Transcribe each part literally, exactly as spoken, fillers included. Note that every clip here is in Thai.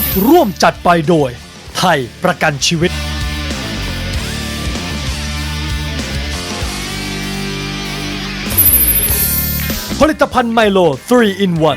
ร่วมจัดไปโดยไทยประกันชีวิตผลิตภัณฑ์ไมโล ทรี อิน วัน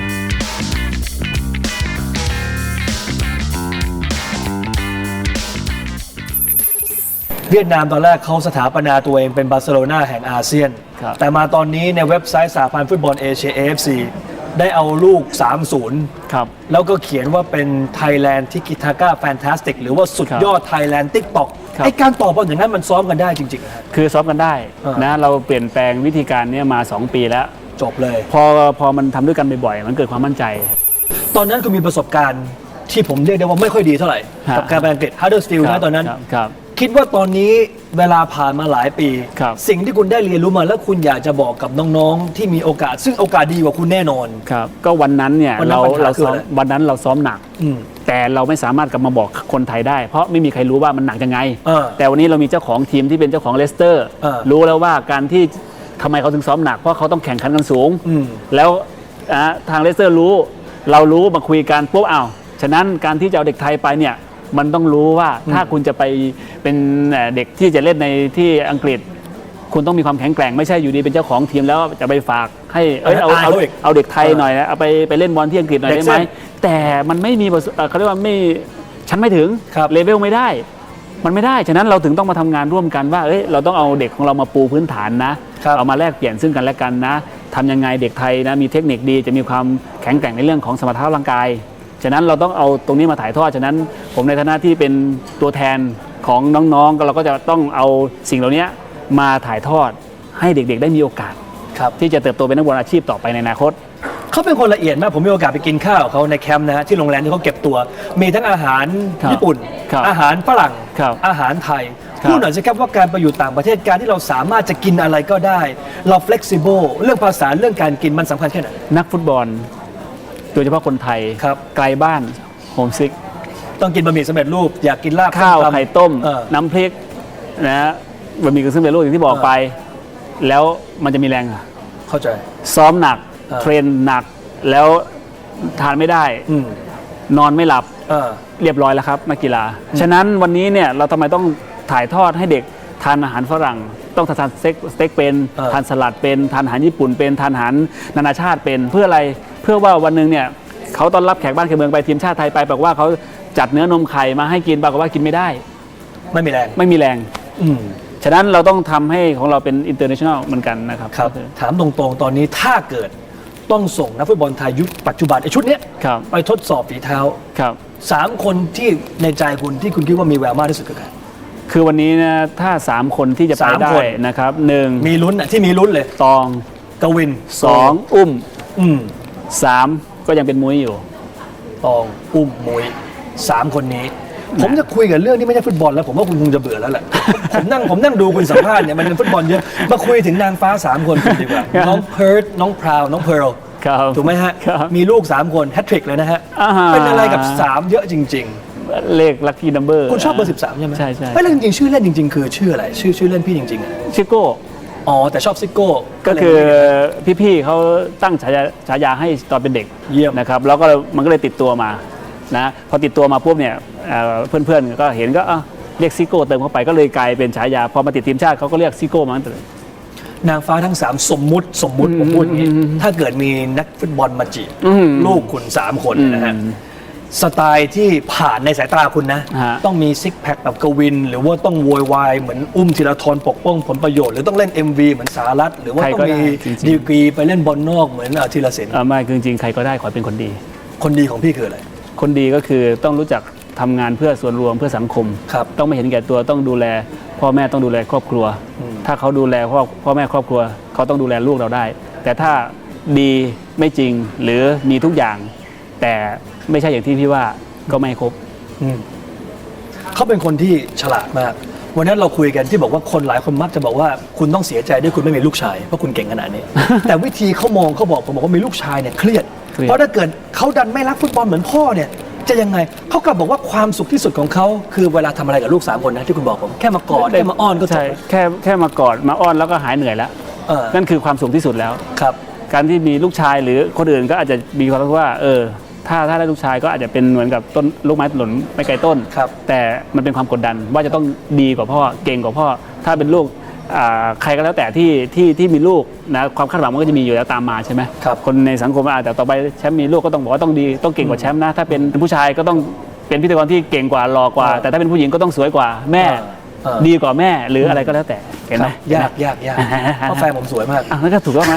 เวียดนามตอนแรกเขาสถาปนาตัวเองเป็นบาร์เซโลนาแห่งอาเซียน แต่มาตอนนี้ในเว็บไซต์สหพันธ์ฟุตบอลเอเชีย เอ เอฟ ซี ได้เอาลูก สามศูนย์ครับแล้วก็เขียนว่าเป็น Thailand Tiki Taka Fantastic หรือว่าสุดยอด Thailand TikTok ไอการตอบบอลอย่างนั้นมันซ้อมกันได้จริงๆนะคือซ้อมกันได้อ่านนะเราเปลี่ยนแปลงวิธีการนี้มาสองปีแล้วจบเลยพอพอมันทำด้วยกันบ่อยๆมันเกิดความมั่นใจตอนนั้นคุณมีประสบการณ์ที่ผมเรียกได้ว่าไม่ค่อยดีเท่าไหร่ฮะกับการไปอังกฤษ Huddersfield ครันะบตอนนั้นครับครับคิดว่าตอนนี้เวลาผ่านมาหลายปีครับสิ่งที่คุณได้เรียนรู้มาแล้วคุณอยากจะบอกกับน้องๆ ที่มีโอกาส ซึ่งโอกาสดีกว่าคุณแน่นอนครับก็วันนั้นเนี่ยวันนั้นเราปัญหาเราคือซ้อมอะไรวันนั้นเราซ้อมหนักอืมแต่เราไม่สามารถกลับมาบอกคนไทยได้ เพราะไม่มีใครรู้ว่ามันหนักยังไงเออแต่วันนี้เรามีเจ้าของทีมที่เป็นเจ้าของเลสเตอร์เออรู้แล้วว่าการที่ทำไมเขาถึงซ้อมหนักเพราะเขาต้องแข่งขันกันสูงอืมแล้วอ่าทางเลสเตอร์รู้เรารู้มาคุยกันปุ๊บอ้าวฉะนั้นการที่จะเอาเด็กไทยไปเนี่ยมันต้องรู้ว่าถ้าคุณจะไปเป็นเอ่อเด็กที่จะเล่นในที่อังกฤษ คุณต้องมีความแข็งแกร่งไม่ใช่อยู่ดีเป็นเจ้าของทีมแล้วจะไปฝากให้เอ้ยเอาอายเอาเขาอีกเอาเด็กไทยเออหน่อยนะเอาไปไปเล่นบอลที่อังกฤษหน่อยเด็กได้ไหมเส้นแต่มันไม่มีประสเอ่อเขาเรียกว่าไม่ฉันไม่ถึงครับเลเวลไม่ได้ มันไม่ได้ฉะนั้นเราถึงต้องมาทำงานร่วมกันว่าเอ้ยเราต้องเอาเด็กของเรามาปูพื้นฐานนะครับ เอามาแลกเปลี่ยนซึ่งกันและกันนะทำยังไงเด็กไทยนะมีเทคนิคดีจะมีความแข็งแกร่งในเรื่องของสมรรถภาพร่างกายฉะนั้นเราต้องเอาตรงนี้มาถ่ายทอดฉะนั้นผมในฐานะที่เป็นตัวแทนของน้องๆก็เราก็จะต้องเอาสิ่งเหล่านี้มาถ่ายทอดให้เด็กๆได้มีโอกาสครับที่จะเติบโตเป็นนักบอลอาชีพต่อไปในอนาคตเขาเป็นคนละเอียดมากผมมีโอกาสไปกินข้าวกับเขาในแคมป์นะฮะที่โรงแรมที่เขาเก็บตัว มีทั้งอาหารครับญี่ปุ่นครับอาหารฝรั่งครับอาหารไทยครับพูดหน่อยสิครับว่าการไปอยู่ต่างประเทศการที่เราสามารถจะกินอะไรก็ได้ เรา flexible เรื่องภาษาเรื่องการกินมันสำคัญแค่ไหนนักฟุตบอลโดยเฉพาะคนไทยครับไกลบ้านโฮมซิกต้องกินบะหมี่สำเร็จรูปอยากกินลาบข้าวส้มตำไข่ต้มเออน้ำพริกนะบะหมี่กึ่งสำเร็จรูปอย่างที่บอกเออไป แล้วมันจะมีแรงอะเข้าใจซ้อมหนักเออเทรนหนักแล้วทานไม่ได้อืมนอนไม่หลับเออเรียบร้อยแล้วครับนักกีฬา ฉะนั้นวันนี้เนี่ยเราทำไมต้องถ่ายทอดให้เด็กทานอาหารฝรั่ง ต้องทานสเต็กสเต็กเป็นเออทานสลัดเป็นทานอาหารญี่ปุ่นเป็นทานอาหารนานาชาติเป็นเพื่ออะไรเพื่อว่าวันหนึ่งเนี่ยเขาต้อนรับแขกบ้านแขกเมืองไปทีมชาติไทยไปบอกว่าเขาจัดเนื้อนมไข่มาให้กินปรากฏว่ากินไม่ได้ไม่มีแรงไม่มีแรงอืมฉะนั้นเราต้องทำให้ของเราเป็นอินเตอร์เนชั่นแนลเหมือนกันนะครับครับก็อถามตรงๆ ตอนนี้ถ้าเกิดต้องส่งนักฟุตบอลไทยยุคปัจจุบันไอ้ชุดเนี้ยครับไปทดสอบฝีเท้าครับสามคนที่ในใจคุณที่คุณคิดว่ามีแววมากที่สุดคือใครคือวันนี้นะถ้าสามคนที่จะไปสามได้คนนะครับหนึ่งมีลุ้นอ่ะที่มีลุ้นเลยตองกวินสองอุ้มอืมสามก็ยังเป็นมุ้ยอยู่ตองอุ้มมุยสามคนนี้ ผมจะคุยกับเรื่องที่ไม่ใช่ฟุตบอลแล้ว ผมว่าคุณคงจะเบื่อแล้วแหละ ผมนั่งผมนั่งดูคุณสัมภาษณ์เนี่ยมันเป็นฟุตบอลเยอะมาคุยถึงนางฟ้าสามคนกันดีกว่าครับน้องเพิร์ดน้องพราวน้องเพิร์ลครับถูกไหมฮะครับมีลูกสามคนแฮตทริกเลยนะฮะอ่าฮะเป็นอะไรกับสามเยอะจริงเลขลัคกี้นัมเบอร์ๆ คุณชอบเบอร์สิบสามใช่ไหมใช่ใช่ไม่แล้วจริงๆชื่อเล่นจริง ๆ คือชื่ออะไรชื่อชื่อเล่นพี่จริงๆอะชิโก้อ๋อแต่ชอบซิโก้ก็คือพี่ๆเขาตั้งฉายาฉายาให้ตอนเป็นเด็กเยี่ยมนะครับแล้วก็มันก็เลยติดตัวมานะพอติดตัวมาปุ๊บเนี่ยเอ่อเพื่อนๆก็เห็นก็เอ้าเรียกซิโก้เติมเข้าไปก็เลยกลายเป็นฉายาพอมาติดทีมชาติเขาก็เรียกซิโก้มาตั้งแต่นางฟ้าทั้งสามสมมุติสมมุติผมพูดอย่างนี้ถ้าเกิดมีนักฟุตบอลมาจีบอืมลูกคุณสามคนนะฮะอืมสไตล์ที่ผ่านในสายตาคุณนะฮะต้องมีซิกแพคแบบกวิน หรือว่าต้องโวยวายเหมือนอุ้มธีรทรปกป้องผลประโยชน์หรือต้องเล่น เอ็ม วี เหมือนสารัตหรือว่าต้องมีดีกรีไปเล่นบอลนอกเหมือนธีรศิลป์เอ่อไม่คือจริงๆใครก็ได้ขอให้เป็นคนดีคนดีของพี่คืออะไรคนดีก็คือต้องรู้จักทำงานเพื่อส่วนรวมเพื่อสังคมครับต้องไม่เห็นแก่ตัวต้องดูแลพ่อแม่ต้องดูแลครอบครัวอืมถ้าเขาดูแลพ่อพ่อแม่ครอบครัว เขาต้องดูแลลูกเราได้ แต่ถ้าดีไม่จริงหรือมีทุกอย่าง แต่ไม่ใช่อย่างที่พี่ว่าก็ไม่ครบอืมเขาเป็นคนที่ฉลาดมาก วันนั้นเราคุยกันที่บอกว่าคนหลายคนมักจะบอกว่าคุณต้องเสียใจด้วยคุณไม่มีลูกชายเพราะคุณเก่งขนาดนี้ แต่วิธีเขามองเขาบอกผมบอกว่ามีลูกชายเนี่ยเครียดเครียดเพราะถ้าเกิดเขาดันไม่รักฟุตบอลเหมือนพ่อเนี่ยจะยังไงเขากลับบอกว่าความสุขที่สุดของเขาคือเวลาทำอะไรกับลูกสามคนนะที่คุณบอกผมแค่มากอดแค่มาอ้อนก็จใช่บแค่แค่มากอดมาอ้อนแล้วก็หายเหนื่อยแล้วเออนั่นคือความสุขที่สุดแล้วครับการที่มีลูกชายหรือคนอื่นก็อาจจะมีความรู้สึกว่าเออถ้าถ้าได้ลูกชายก็อาจจะเป็นเหมือนกับต้นลูกไม้หล่นไม่ไกลต้นครับแต่มันเป็นความกดดันว่าจะต้องดีกว่าพ่อเก่งกว่าพ่อถ้าเป็นลูกอ่าใครก็แล้วแต่ที่ที่ที่มีลูกนะความคาดหวังมันก็จะมีอยู่แล้วตามมาใช่ไหมครับคนในสังคมอาจจะต่อไปแชมป์มีลูกก็ต้องบอกว่าต้องดีต้องเก่งกว่าแชมป์นะถ้าเป็นผู้ชายก็ต้องเป็นพิธีกรที่เก่งกว่าหล่อกว่า แต่ถ้าเป็นผู้หญิงก็ต้องสวยกว่าแม่เออดีกว่าแม่หรืออะไรก็แล้วแต่เห็นไหมครับยากยากยากเพราะแฟนผมสวยมากอ่ะนั่นก็ถูกต้องนะ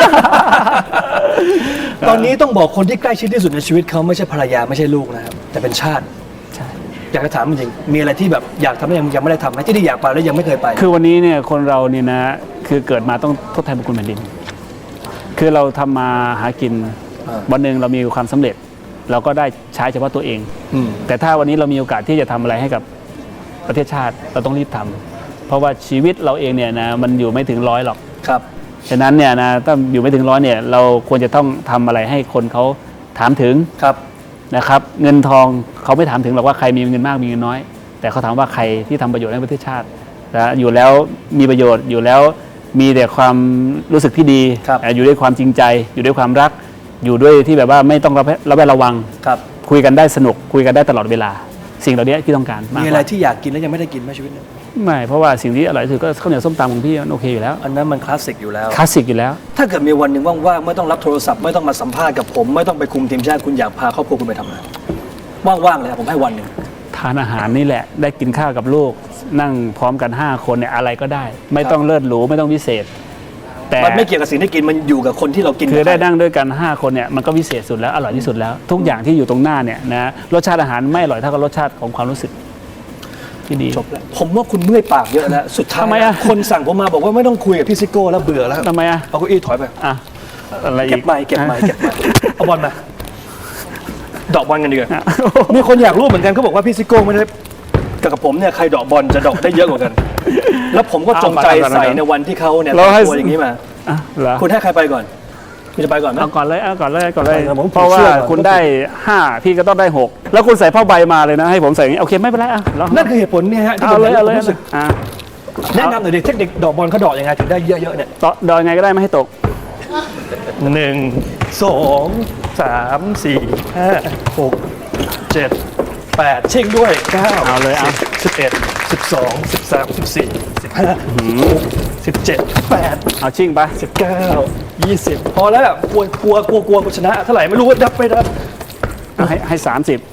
ตอนนี้ต้องบอกคนที่ใกล้ชิดที่สุดในชีวิตเขาไม่ใช่ภรรยาไม่ใช่ลูกนะครับแต่เป็นชาติใช่อยากจะถามจริงๆมีอะไรที่แบบอยากทำแล้วยังยังไม่ได้ทำไหมที่ที่อยากไปแล้วยังไม่เคยไปคือวันนี้เนี่ยคนเราเนี่ยนะคือเกิดมาต้องทดแทนบุญคุณแผ่นดิน คือเราทำมาหากินอ่าวันหนึ่งเรามีความสำเร็จ เราก็ได้ใช้เฉพาะตัวเองอืมแต่ถ้าวันนี้เรามีโอกาสที่จะทำอะไรให้กับประเทศชาติเราต้องรีบทำเพราะว่าชีวิตเราเองเนี่ยนะมันอยู่ไม่ถึงร้อยหรอกครับฉะนั้นเนี่ยนะถ้าอยู่ไม่ถึงร้อยเนี่ยเราควรจะต้องทำอะไรให้คนเขาถามถึงครับนะครับเงินทองเขาไม่ถามถึงหรอกว่าใครมีเงินมากมีเงินน้อย แต่เขาถามว่าใครที่ทำประโยชน์ให้ประเทศชาตินะอยู่แล้วมีประโยชน์อยู่แล้วมีแต่ความรู้สึกที่ดีครับอ่ะอยู่ด้วยความจริงใจ อยู่ด้วยความรัก อยู่ด้วยที่แบบว่าไม่ต้องระแวดระแวดระวังครับคุยกันได้สนุกคุยกันได้ตลอดเวลา สิ่งเหล่านี้ที่ต้องการมากมีกอะไรว่าที่อยากกินแล้วยังไม่ได้กินไหมชีวิตเนี่ยไม่เพราะว่าสิ่งที่อร่อยที่สุดก็ข้าวเหนียวส้มตำของพี่มันโอเคอยู่แล้วอันนั้นมันคลาสสิกอยู่แล้วคลาสสิกอยู่แล้วถ้าเกิดมีวันหนึ่งว่างๆไม่ต้องรับโทรศัพท์ไม่ต้องมาสัมภาษณ์กับผม ไม่ต้องไปคุมทีมชาติคุณอยากพาครอบครัวคุณไปทำอะไรว่างๆเลยครับผมให้วันหนึ่งทานอาหารนี่แหละได้กินข้าวกับลูกนั่งพร้อมกันห้าคนเนี่ยอะไรก็ได้ ไม่ต้องเลิศหรูไม่ต้องวิเศษ แต่มันไม่เกี่ยวกับสิ่งที่กินมันอยู่กับคนที่เรากินคือได้นั่งด้วยกันห้าคนเนี่ยมันก็วิเศษสุดแล้วอร่อยที่สุดแล้ว ทุกอย่างที่อยู่ตรงหน้าเนี่ยนะรสชาติอาหารไม่อร่อยเท่ากับรสชาติของความรู้สึกที่ดีจบแล้วผมว่าคุณเมื่อยปากเยอะแล้วสุดท้ายทำไมอะคนสั่งผมมาบอกว่าไม่ต้องคุยกับพี่ซิโก้แล้วเบื่อแล้วทำไมอ่ะเอาเก้าอี้ถอยไปอ่ะอะไรอีกเก็บไม้เก็บไม้เก็บไม้เอาบอลมาดอกบอลกันดีกว่าอ่ะมีคนอยากรู้เหมือนกันเขาบอกว่าพี่ซิโก้ไม่ได้กับผมเนี่ยใครดอกบอลจะดอกได้เยอะกว่ากัน แล้วผมก็จงใจใส่ในวันที่เขาเนี่ยเราให้ตัวอย่างนี้มาอ่ะเหรอคุณให้ใครไปก่อนคุณจะไปก่อนไหมเอาก่อนเลยเอาก่อนเลยเอาก่อนเลยเอาผมเพราะว่าเชื่อก่อนคุณได้ห้าพี่ก็ต้องได้หกแล้วคุณใส่ผ้าใบมาเลยนะให้ผมใส่อย่างนี้โอเคไม่เป็นไรอ่ะเรานั่นคือเหตุผลเนี่ยฮะที่เอาผมเลยเอาเลยรู้สึกอ่ะแนะนำหน่อยดิเทคนิคดอกบอลเขาดอกยังไงถึงได้เยอะๆเนี่ยต่อดอยไงก็ได้ไม่ให้ตกหนึ่งสองสามสี่ห้าหกเจ็ดแปดเช็คด้วยเก้าเอาเลยเอาสิบเอ็ดสิบสองสิบสามสิบสี่สิบห้าสิบเจ็ดแปดเอาชิ่งไปสิบเก้ายี่สิบพอแล้วล่ะกลัวกลัวกลัวกลัวกูชนะเท่าไหร่ไม่รู้ว่าดับไปดับเอาให้ให้สามสิบ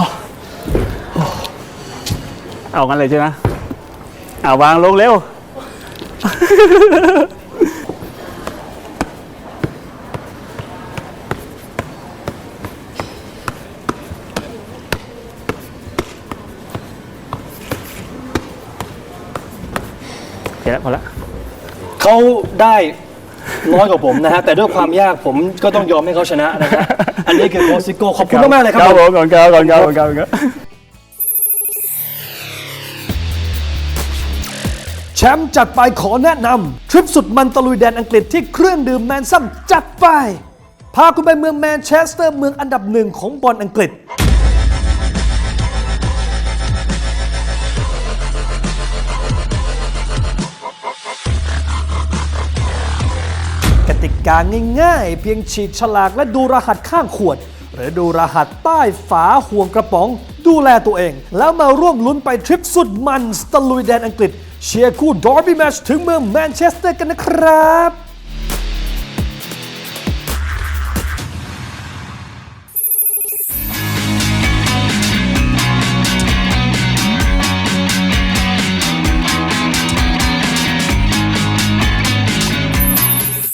เอางั้นเลยใช่ไหมเอาวางลงเร็ว โอเคแล้วพอละเขาได้น้อยกว่าผมนะฮะแต่ด้วยความยากผมก็ต้องยอมให้เขาชนะนะครับอันนี้คือโคชซิโก้ขอบคุณมากๆเลยครับครับผผม มก่อนครับก่อนครับก่อนครับแชมป์จัดไปขอแนะนำทริปสุดมันตะลุยแดนอังกฤษที่เครื่องดื่มแมนซัมจัดไป พาคุณไปเมืองแมนเชสเตอร์เมืองอันดับหนึ่งของบอลอังกฤษ กติกาง่ายๆ เพียงฉีกฉลากและดูรหัสข้างขวด หรือดูรหัสใต้ฝาห่วงกระป๋อง ดูแลตัวเอง แล้วมาร่วมลุ้นไปทริปสุดมันตะลุยแดนอังกฤษ เชียร์คู่ดอร์บี้แมตช์ถึงเมืองแมนเชสเตอร์กันนะครับ